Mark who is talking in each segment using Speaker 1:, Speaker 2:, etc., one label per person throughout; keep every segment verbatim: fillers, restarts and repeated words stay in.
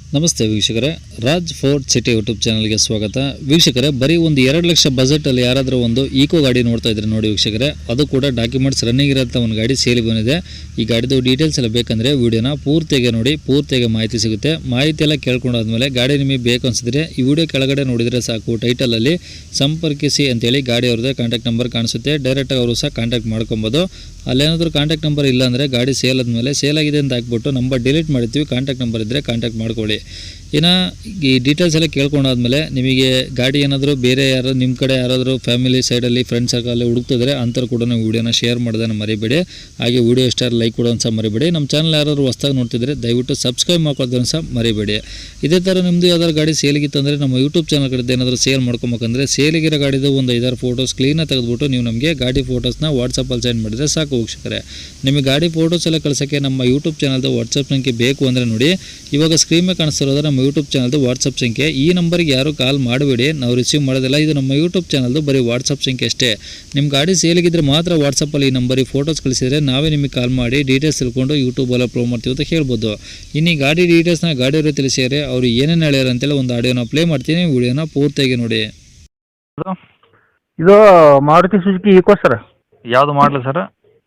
Speaker 1: ನಮಸ್ತೆ ವೀಕ್ಷಕರೇ, Raj fort city YouTube ಚಾನಲ್ಗೆ ಸ್ವಾಗತ. ವೀಕ್ಷಕರೇ, ಬರೀ ಒಂದು ಎರಡು ಲಕ್ಷ ಬಜೆಟಲ್ಲಿ ಯಾರಾದರೂ ಒಂದು ಈಕೋ ಗಾಡಿ ನೋಡ್ತಾ ಇದ್ರೆ ನೋಡಿ ವೀಕ್ಷಕರೇ, ಅದು ಕೂಡ ಡಾಕ್ಯುಮೆಂಟ್ಸ್ ರನ್ನಿಂಗ್ ಇರೋಂಥ ಒಂದು ಗಾಡಿ ಸೇಲ್ ಬಂದಿದೆ. ಈ ಗಾಡಿದು ಡೀಟೇಲ್ಸ್ ಎಲ್ಲ ಬೇಕಂದರೆ ವಿಡಿಯೋನ ಪೂರ್ತಿಯಾಗಿ ನೋಡಿ, ಪೂರ್ತಿಯಾಗಿ ಮಾಹಿತಿ ಸಿಗುತ್ತೆ. ಮಾಹಿತಿ ಎಲ್ಲ ಕೇಳ್ಕೊಂಡಾದ್ಮೇಲೆ ಗಾಡಿ ನಿಮಗೆ ಬೇಕು ಅನಿಸಿದ್ರೆ ಈ ವಿಡಿಯೋ ಕೆಳಗಡೆ ನೋಡಿದರೆ ಸಾಕು, ಟೈಟಲಲ್ಲಿ ಸಂಪರ್ಕಿಸಿ ಅಂತೇಳಿ ಗಾಡಿ ಅವ್ರದ್ದೇ ಕಾಂಟ್ಯಾಕ್ಟ್ ನಂಬರ್ ಕಾಣಿಸುತ್ತೆ. ಡೈರೆಕ್ಟಾಗಿ ಅವರು ಸಹ ಕಾಂಟ್ಯಾಕ್ಟ್ ಮಾಡ್ಕೊಬೋದು. ಅಲ್ಲೇನಾದರೂ ಕಾಂಟ್ಯಾಕ್ಟ್ ನಂಬರ್ ಇಲ್ಲ ಅಂದರೆ ಗಾಡಿ ಸೇಲ್ ಆದಮೇಲೆ ಸೇಲ್ ಆಗಿದೆ ಅಂತ ಹಾಕ್ಬಿಟ್ಟು ನಂಬರ್ ಡಿಲೀಟ್ ಮಾಡಿರ್ತೀವಿ. ಕಾಂಟ್ಯಾಕ್ಟ್ ನಂಬರ್ ಇದ್ದರೆ ಕಾಂಟ್ಯಾಕ್ಟ್ ಮಾಡ್ಕೊಳ್ಳಿ. ಇನ್ನು ಈ ಡೀಟೇಲ್ಸ್ ಎಲ್ಲ ಕೇಳ್ಕೊಂಡಾದ್ಮೇಲೆ ನಿಮಗೆ ಗಾಡಿ ಏನಾದರೂ ಬೇರೆ ಯಾರು ನಿಮ್ಮ ಕಡೆ ಯಾರಾದರೂ ಫ್ಯಾಮಿಲಿ ಸೈಡಲ್ಲಿ ಫ್ರೆಂಡ್ಸ್ ಸರ್ಕಲಲ್ಲಿ ಹುಡುಕ್ತಿದ್ರೆ ಅಂಥವ್ರು ಕೂಡ ನೀವು ವೀಡಿಯೋನ ಶೇರ್ ಮಾಡೋದನ್ನು ಮರಿಬೇಡಿ. ಹಾಗೆ ವೀಡಿಯೋ ಇಷ್ಟ ಲೈಕ್ ಕೊಡೋದು ಸಹ ಮರಿಬೇಡಿ. ನಮ್ಮ ಚಾನಲ್ ಯಾರಾದರೂ ಹೊಸ್ದಾಗಿ ನೋಡ್ತಿದ್ರೆ ದಯವಿಟ್ಟು ಸಬ್ಸ್ಕ್ರೈಬ್ ಮಾಡ್ಕೊಳ್ಳೋದನ್ನು ಸಹ ಮರಿಬೇಡಿ. ಇದೇ ಥರ ನಿಮ್ಮದು ಯಾವ್ದಾದ್ರು ಗಾಡಿ ಸೇಲಿಗಿತ್ತು ಅಂದರೆ ನಮ್ಮ ಯೂಟ್ಯೂಬ್ ಚಾನಲ್ ಕಡೆ ಏನಾದರೂ ಸೇಲ್ ಮಾಡ್ಕೊಬೇಕಂದ್ರೆ ಸೇಲಿಗಿರೋ ಗಾಡಿದು ಒಂದು ಐದಾರು ಫೋಟೋಸ್ ಕ್ಲೀನಾಗಿ ತೆಗೆದುಬಿಟ್ಟು ನೀವು ನಮಗೆ ಗಾಡಿ ಫೋಟೋಸ್ನ ವಾಟ್ಸಪ್ಪಲ್ಲಿ ಸೆಂಡ್ ಮಾಡಿದರೆ ಸಾಕು ವೀಕ್ಷಕರೇ. ನಿಮಗೆ ಗಾಡಿ ಫೋಟೋಸ್ ಎಲ್ಲ ಕಳ್ಸೋಕ್ಕೆ ನಮ್ಮ ಯೂಟ್ಯೂಬ್ ಚಾನಲ್ದು ವಾಟ್ಸಪ್ ಸಂಖ್ಯೆ ಬೇಕು ಅಂದರೆ ನೋಡಿ, ಇವಾಗ ಸ್ಕ್ರೀನ್ ಮೇಲೆ ಕಾಣಿಸ್ತಿರೋದ್ರೆ ನಮ್ಮ ಯೂಟ್ಯೂಬ್ ಚಾನಲ್ದು ವಾಟ್ಸಪ್ ಸಂಖ್ಯೆ. ಈ ನಂಬರ್ಗೆ ಯಾರು ಕಾಲ್ ಮಾಡಬೇಡಿ, ನಾವು ರಿಸೀವ್ ಮಾಡೋದಿಲ್ಲ. ಇದು ನಮ್ಮ ಯೂಟ್ಯೂಬ್ ಚಾನಲ್ದು ಬರೀ ವಾಟ್ಸಪ್ ಸಂಖ್ಯೆ ಅಷ್ಟೇ. ನಿಮ್ಮ ಗಾಡಿ ಸೇಲಿಗಿದ್ರೆ ಮಾತ್ರ ವಾಟ್ಸಪ್ಪಲ್ಲಿ ಈ ನಂಬರಿಗೆ ಫೋಟೋಸ್ ಕಳಿಸಿದರೆ ನಾವೇ ನಿಮಗೆ ಕಾಲ್ ಮಾಡಿ ಡೀಟೇಲ್ಸ್ ತಿಳ್ಕೊಂಡು ಯೂಟ್ಯೂಬಲ್ಲಿ ಅಪ್ಲೋಡ್ ಮಾಡ್ತೀವಿ ಅಂತ ಹೇಳ್ಬೋದು. ಇನ್ನು ಈ ಗಾಡಿ ಡೀಟೇಲ್ಸ್ನ ಗಾಡಿಯವರು ತಿಳಿಸಿದರೆ ಅವರು ಏನೇನು ಹೇಳ್ಯಾರ ಅಂತೇಳಿ ಒಂದು ಆಡಿಯೋನ ಪ್ಲೇ ಮಾಡ್ತೀನಿ, ವಿಡಿಯೋನ ಪೂರ್ತಿಯಾಗಿ ನೋಡಿ.
Speaker 2: ಇದು ಮಾರುತಿ ಸುಜುಕಿ ಈಕೋ ಸರ್.
Speaker 3: ಯಾವುದು ಮಾಡಲು ಸರ್?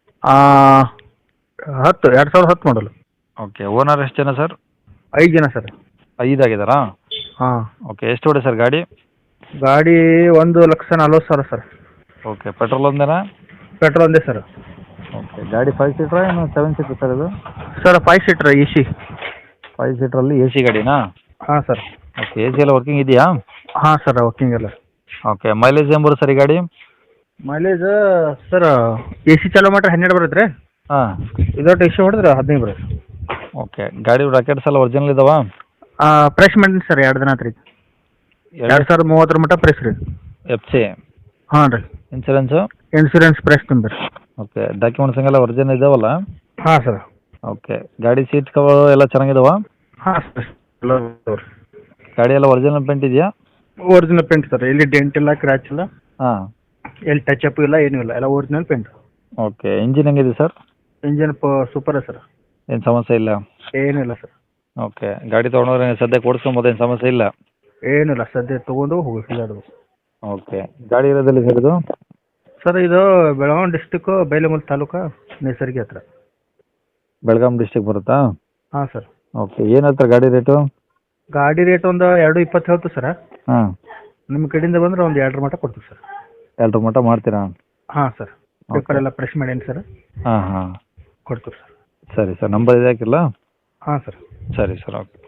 Speaker 2: ಹತ್ತು ಎರಡು ಸಾವಿರದ ಹತ್ತು ಮಾಡಲು.
Speaker 3: ಓಕೆ. ಓನರ್ ಎಷ್ಟು ಜನ ಸರ್?
Speaker 2: ಐದು ಜನ ಸರ್.
Speaker 3: ಐದಾಗಿದ್ದಾರಾ?
Speaker 2: ಹಾಂ.
Speaker 3: ಓಕೆ. ಎಷ್ಟು ಹೊಡೆ ಸರ್ ಗಾಡಿ?
Speaker 2: ಗಾಡಿ ಒಂದು ಲಕ್ಷ ನಲ್ವತ್ತು ಸಾವಿರ ಸರ್.
Speaker 3: ಓಕೆ. ಪೆಟ್ರೋಲ್ ಒಂದೇನಾ?
Speaker 2: ಪೆಟ್ರೋಲ್ ಒಂದೇ ಸರ್.
Speaker 3: ಓಕೆ. ಗಾಡಿ ಫೈವ್ ಸೀಟ್ರಾ ಏನು ಸೆವೆನ್ ಸೀಟ್ರ್ ಸರ್ ಇದು?
Speaker 2: Sir five seater A C.
Speaker 3: Five ಸೀಟ್ರಲ್ಲಿ ಎ ಸಿ ಗಾಡಿನಾ?
Speaker 2: ಹಾಂ ಸರ್.
Speaker 3: ಓಕೆ. ಎ ಸಿ ಎಲ್ಲ ವರ್ಕಿಂಗ್ ಇದೆಯಾ?
Speaker 2: ಹಾಂ ಸರ್, ವರ್ಕಿಂಗ್ ಎಲ್ಲ.
Speaker 3: ಓಕೆ. ಮೈಲೇಜ್ ಏನು ಬರುತ್ತೆ ಸರ್ ಈ ಗಾಡಿ?
Speaker 2: ಮೈಲೇಜ್ ಸರ್ ಎ ಸಿ ಚಾಲೋ ಮಾಡ್ರೆ ಹನ್ನೆರಡು ಬರುತ್ತೆ ರೀ.
Speaker 3: ಹಾಂ.
Speaker 2: ಇದೊಟ್ಟು ಎ ಸಿ ಹೊಡೆದ್ರೆ ಹದಿನೈದು ಬರುತ್ತೆ.
Speaker 3: ಓಕೆ. ಗಾಡಿ ರಾಕೆಟ್ಸ್ ಎಲ್ಲ ಒರಿಜಿನಲ್ ಇದಾವಾ?
Speaker 2: ಫ್ರೆಶ್ ಮಾಡಿನಿ ಸರ್, ಎರಡು ದಿನ ಆತ್ರಿ. ಎರಡು ಸಾವಿರದ ಮೂವತ್ತರ ಮಟ್ಟ ಫ್ರೆಶ್ ರೀ.
Speaker 3: F C?
Speaker 2: ಹಾಂ ರೀ.
Speaker 3: ಇನ್ಸೂರೆನ್ಸು?
Speaker 2: ಇನ್ಸೂರೆನ್ಸ್ ಫ್ರೆಶ್ ತುಂಬಿರಿ.
Speaker 3: ಓಕೆ. ಡಾಕ್ಯುಮೆಂಟ್ಸ್ ಎಲ್ಲ ಒರಿಜಿನಲ್ ಇದಾವಲ್ಲ?
Speaker 2: ಹಾಂ ಸರ್.
Speaker 3: ಓಕೆ. ಗಾಡಿ ಸೀಟ್ ಕವರ್ ಎಲ್ಲ ಚೆನ್ನಾಗಿದಾವಾ?
Speaker 2: ಹಾಂ ಸರ್. ಎಲ್ಲ ರೀ.
Speaker 3: ಗಾಡಿ ಎಲ್ಲ ಒರಿಜಿನಲ್ ಪೇಂಟ್ ಇದೆಯಾ?
Speaker 2: Original paint sir. ಎಲ್ಲಿ ಡೆಂಟ್ ಇಲ್ಲ, ಕ್ರ್ಯಾಚ್ ಇಲ್ಲ.
Speaker 3: ಹಾಂ.
Speaker 2: ಎಲ್ಲಿ ಟಚ್ ಅಪ್ ಇಲ್ಲ, ಏನೂ ಇಲ್ಲ, ಎಲ್ಲ ಒರಿಜಿನಲ್ ಪೇಂಟ್.
Speaker 3: ಓಕೆ. ಇಂಜಿನ್ ಹೆಂಗಿದೆ ಸರ್?
Speaker 2: ಇಂಜಿನ್ ಪ ಸೂಪರ್ ಸರ್.
Speaker 3: ಏನು ಸಮಸ್ಯೆ ಇಲ್ಲ?
Speaker 2: ಏನಿಲ್ಲ ಸರ್.
Speaker 3: ಓಕೆ. ಗಾಡಿ ತೊಗೊಂಡ್ರೆ ಸದ್ಯಕ್ಕೆ ಓಡಿಸ್ಕೊಬೋದು, ಏನು ಸಮಸ್ಯೆ ಇಲ್ಲ?
Speaker 2: ಏನಿಲ್ಲ, ಸದ್ಯ ತೊಗೊಂಡು ಹೋಗಿ ಅದು.
Speaker 3: ಓಕೆ. ಗಾಡಿ ಇರೋದಲ್ಲಿ ಸರ್ ಇದು?
Speaker 2: ಸರ್ ಇದು ಬೆಳಗಾವಿ ಡಿಸ್ಟಿಕ್ಕು, ಬೈಲಮೂರು ತಾಲೂಕು, ನೇಸರ್ಗಿ ಹತ್ರ.
Speaker 3: ಬೆಳಗಾಂ ಡಿಸ್ಟಿಕ್ ಬರುತ್ತಾ?
Speaker 2: ಹಾಂ ಸರ್.
Speaker 3: ಓಕೆ. ಏನು ಹೇಳ್ತಾರೆ ಗಾಡಿ ರೇಟು?
Speaker 2: ಗಾಡಿ ರೇಟ್ ಒಂದು ಎರಡು ಇಪ್ಪತ್ತು ಹೇಳ್ತು ಸರ್.
Speaker 3: ಹಾಂ.
Speaker 2: ನಿಮ್ಮ ಕಡೆಯಿಂದ ಬಂದರೆ ಒಂದು ಎರಡರ ಮಟ್ಟ ಕೊಡ್ತೀವಿ ಸರ್.
Speaker 3: ಎರಡರ ಮಟ್ಟ ಮಾಡ್ತೀರಾ?
Speaker 2: ಹಾಂ ಸರ್. ಪೇಪರ್ ಎಲ್ಲ ಫ್ರೆಶ್ ಮಾಡೇನಿ ಸರ್.
Speaker 3: ಹಾಂ ಹಾಂ.
Speaker 2: ಕೊಡ್ತೀವಿ ಸರ್.
Speaker 3: ಸರಿ ಸರ್. ನಂಬರ್ ಇದೆ ಹಾಕಿಲ್ಲ?
Speaker 2: ಹಾಂ ಸರ್.
Speaker 3: ಸರಿ ಸರ್. ಓಕೆ.